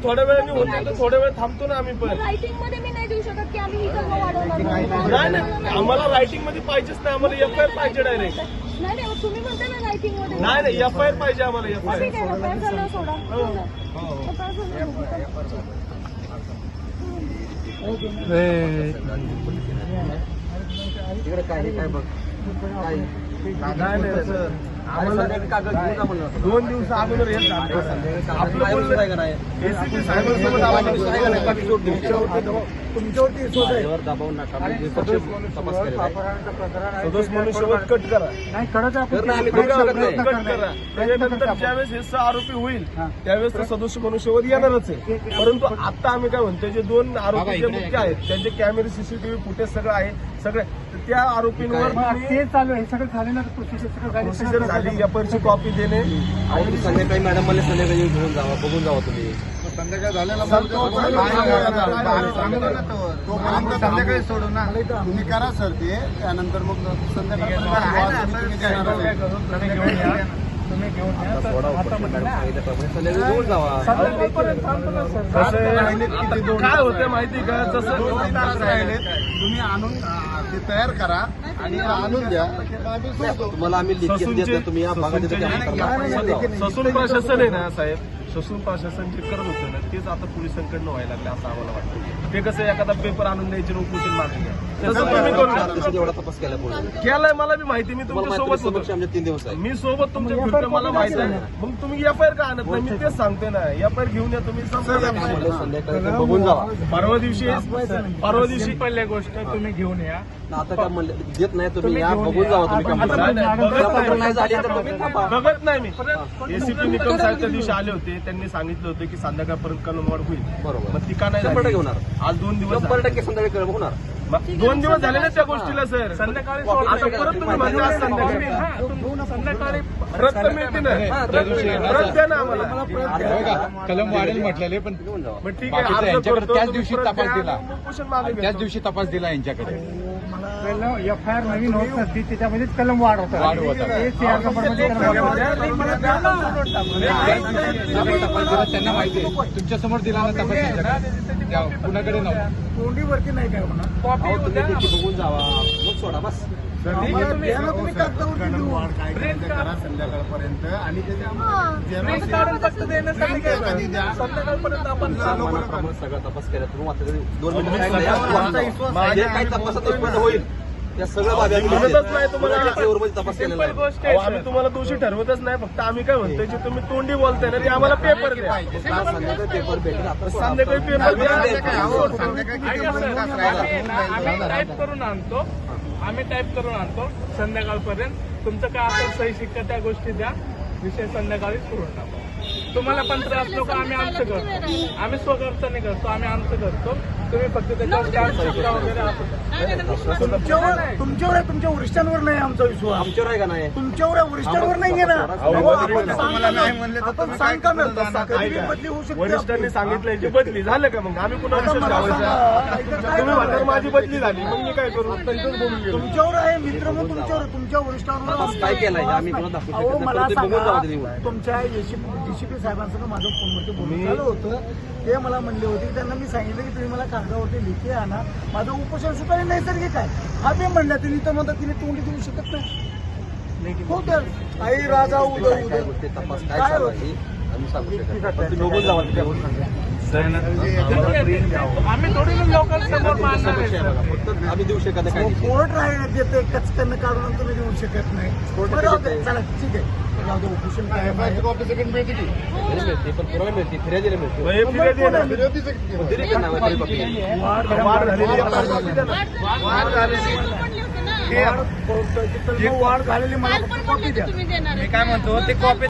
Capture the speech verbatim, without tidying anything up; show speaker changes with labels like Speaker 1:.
Speaker 1: थोड्या वेळाने होते तर थोड्या वेळ थांबतो ना आम्ही पण.
Speaker 2: रायटिंग मध्ये मी नाही देऊ शकत की आम्ही ही कलम वाढवणार
Speaker 1: नाही नाही आम्हाला रायटिंग मध्ये पाहिजेच नाही, आम्हाला एफ आय आर पाहिजे डायरेक्ट.
Speaker 2: नाही नाही तुम्ही म्हणता ना रायटिंग मध्ये.
Speaker 1: नाही नाही एफ आय आर पाहिजे आम्हाला. एफ आय
Speaker 2: ठीक आहे एफ आय आर झालं सोडा.
Speaker 3: इकडे काय काय बघ काय
Speaker 1: दोन दिवस अगोदर येत आपलं बोलणं आहे का नाही एसीपी साहेबांसोबत तुमच्यावरती
Speaker 3: दबाव नका
Speaker 1: सदोष मनुष्यवध कट करा. कट करा. त्याच्यानंतर ज्यावेळेस हे सहा आरोपी होईल त्यावेळेस तर सदोष मनुष्यवध येणारच आहे. परंतु आता आम्ही काय म्हणतो जे दोन आरोपी जे मुख्य आहेत त्यांचे कॅमेरे सीसीटीव्ही फुटेज सगळं आहे सगळे त्या आरोपींवर
Speaker 4: ते चालू आहे सगळं झाले ना
Speaker 1: प्रोसिजर झाली. एफ आय आरची कॉपी देणे
Speaker 3: आणि संध्याकाळी मॅडम मला संध्याकाळी घेऊन जावा बघून जावा तुम्ही.
Speaker 4: संध्याकाळी झालेला संध्याकाळी सोडू ना तुम्ही करा सर ते त्यानंतर मग संध्याकाळी तुम्ही घेऊन
Speaker 3: घेऊन जावा.
Speaker 1: काय होतं माहिती का जसं
Speaker 4: तुम्ही आणून ते तयार करा आणि आणून द्या.
Speaker 3: तुम्हाला आम्ही लिखित देतो तुम्ही या भागात
Speaker 1: ससून प्रशासन आहे ना साहेब, ससून प्रशासन जे करत होतं ना तेच आता पोलिसांकडनं व्हायला लागले असं आम्हाला वाटतं. ते कसं एखादा पेपर आणून द्यायचे उपोषण मागणी तसं तुम्ही करू
Speaker 3: एवढा तपास केला
Speaker 1: केलाय मला बी माहिती. मी तुमच्या सोबत होतो
Speaker 3: आमच्या तीन दिवस आहे
Speaker 1: मी सोबत तुमच्या फिरतो मला माहिती आहे. मग तुम्ही एफ आय आर का आणत नाही मी तेच सांगतोय ना. एफ आय आर घेऊन या तुम्ही
Speaker 3: संध्याकाळी बघून जावा.
Speaker 1: परवा दिवशी परवा दिवशी पहिल्या गोष्ट तुम्ही घेऊन या.
Speaker 3: आता काय म्हणलं देत नाही तुम्ही या बघून जावा तुम्ही. नाही झाली तर तुम्ही थांबा.
Speaker 1: बघत नाही मी. एसीपी निकम साहेब त्या दिवशी आले होते त्यांनी सांगितलं होतं की संध्याकाळपर्यंत कलम वाढ होईल.
Speaker 3: बरोबर
Speaker 1: मग ती का नाही
Speaker 3: शंभर टक्के
Speaker 1: होणार
Speaker 3: होणार.
Speaker 1: आज दोन दिवस
Speaker 3: शंभर टक्के संध्याकाळी होणार.
Speaker 1: दोन दिवस झाले ना त्या गोष्टीला सर. संध्याकाळी परत तुम्ही म्हणजे आज संध्याकाळी संध्याकाळी रद्द मिळते ना रद्द द्या ना आम्हाला.
Speaker 5: कलम वाढेल म्हटलेले पण
Speaker 1: मग ठीक आहे
Speaker 5: यांच्याकडे त्याच दिवशी तपास दिला
Speaker 1: उपोषण मागे
Speaker 5: त्याच दिवशी तपास दिला यांच्याकडे.
Speaker 4: एफ आय आर नवीन होत नसती त्याच्यामध्येच कलम वाढ होता.
Speaker 5: वाढ होता. त्यांना माहिती आहे तुमच्या समोर दिला ना तपास कुणाकडे नव्हता.
Speaker 4: तोंडीवरती नाही काय होणार.
Speaker 3: तुम्ही बघून जावा मग सोडा बस.
Speaker 4: तुम्ही करा संध्याकाळपर्यंत आणि
Speaker 1: संध्याकाळपर्यंत आपण
Speaker 3: सगळा तपास केला तुम्ही आता दोन मिनिटं काही तपासात होईल या सगळं बाबी
Speaker 1: नाही तुम्हाला
Speaker 3: तपास केलेला आहे.
Speaker 1: आम्ही तुम्हाला दोषी ठरवतच नाही. फक्त आम्ही काय म्हणतोय जे तुम्ही तोंडी बोलताय ना ते आम्हाला पेपर द्या.
Speaker 3: संध्याकाळी पेपर भेटेल आता
Speaker 1: संध्याकाळी पेपर द्या.
Speaker 6: आम्ही टाईप करून आणतो आम्ही टाईप करून आणतो संध्याकाळपर्यंत तुमचं काय असेल सही शिक्का त्या गोष्टी द्या. विषय संध्याकाळी सुरू टाकू. तुम्हाला पण त्रास नको आम्ही आमचं करतो. आम्ही स्वखर्चाने करतो आम्ही आमचं करतो. तुम्ही फक्त त्याच्यावर स्टॅम्प शिक्का वगैरे
Speaker 4: तुमच्यावर तुमच्यावर आहे तुमच्या वरिष्ठांवर नाही आमचा विश्वास.
Speaker 3: आमच्यावर आहे का नाही
Speaker 4: तुमच्यावर वरिष्ठांवर नाहीये ना. आपण सांग का बदली होऊ शकते.
Speaker 1: वरिष्ठांनी सांगितलं की बदली झालं का मग आम्ही पुन्हा तुम्ही म्हणणार माझी बदली झाली मग मी काय करू.
Speaker 4: तुमच्यावर आहे मित्र मग तुमच्यावर तुमच्या वरिष्ठांवर
Speaker 3: काय केलंय आम्ही
Speaker 4: अहो मला सांगा तुमच्या एसीपी साहेबांसह माझं फोनवरती बोलणं झालं होतं. ते मला म्हणले होते की त्यांना मी सांगितलं की तुम्ही मला कागदावरती लिखी आणा माझं उपोषण सुद्धा नैसर्गिक आहे. हा ते म्हणल्या तिने तर म्हणतात तिने तोंडी देऊ शकत नाही. हो तर आई राजा उदय उदय
Speaker 3: तपास काय चालू आहे आम्ही सांगू शकतो. तुम्ही बघून जावा
Speaker 6: आम्ही थोडी लोकल समोर मानणार आहे.
Speaker 3: फक्त आम्ही देऊ शकत नाही.
Speaker 4: कोर्ट राहण्यात देते कचकन काढून तुम्ही देऊ शकत नाही. चला ठीक आहे उपोषण काय
Speaker 3: मिळते पण पुरावे मिळते फिर्यादीला मिळते.
Speaker 1: वाढ झालेली
Speaker 4: वाढ झालेली मला कॉपी द्या.
Speaker 2: मी काय म्हणतो ते कॉपी